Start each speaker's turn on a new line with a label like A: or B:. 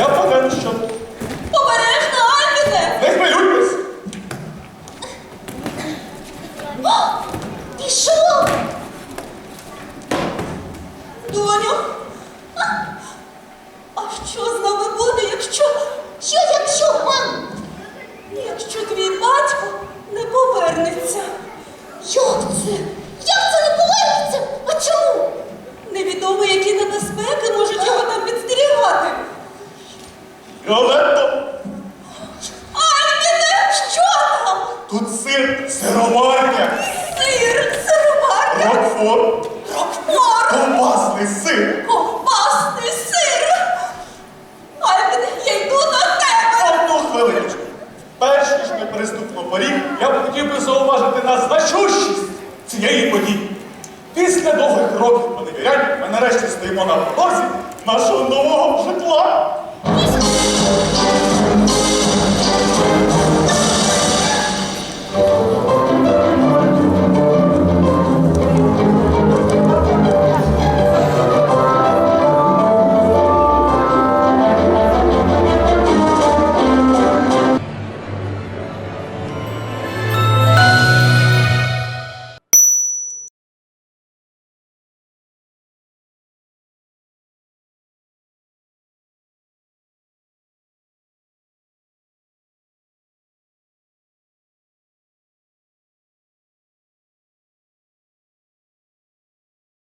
A: Я повинен, що...
B: Обережно, Альбіне!
A: Не хвилюйтесь!
B: Пішов! Доню, а що з нами буде, якщо... Якщо, мам? Якщо твій батько не повернеться. Як це? Як це не повернеться? А чому? Невідомо, які небезпеки можуть його там підстерігати.
A: Віолетто!
B: Альбіне, що там?
A: Тут сир, сироварня,
B: Сир, сироварня,
A: рокфор,
B: рокфор,
A: ковбасний сир.
B: ковбасний сир. Альбіне, я йду до тебе.
A: Одну хвилиночку. Перш ніж ми переступимо поріг, я б хотів би зауважити на значущість цієї події. Після довгих років поневірянь ми нарешті стоїмо на порозі нашого нового житла.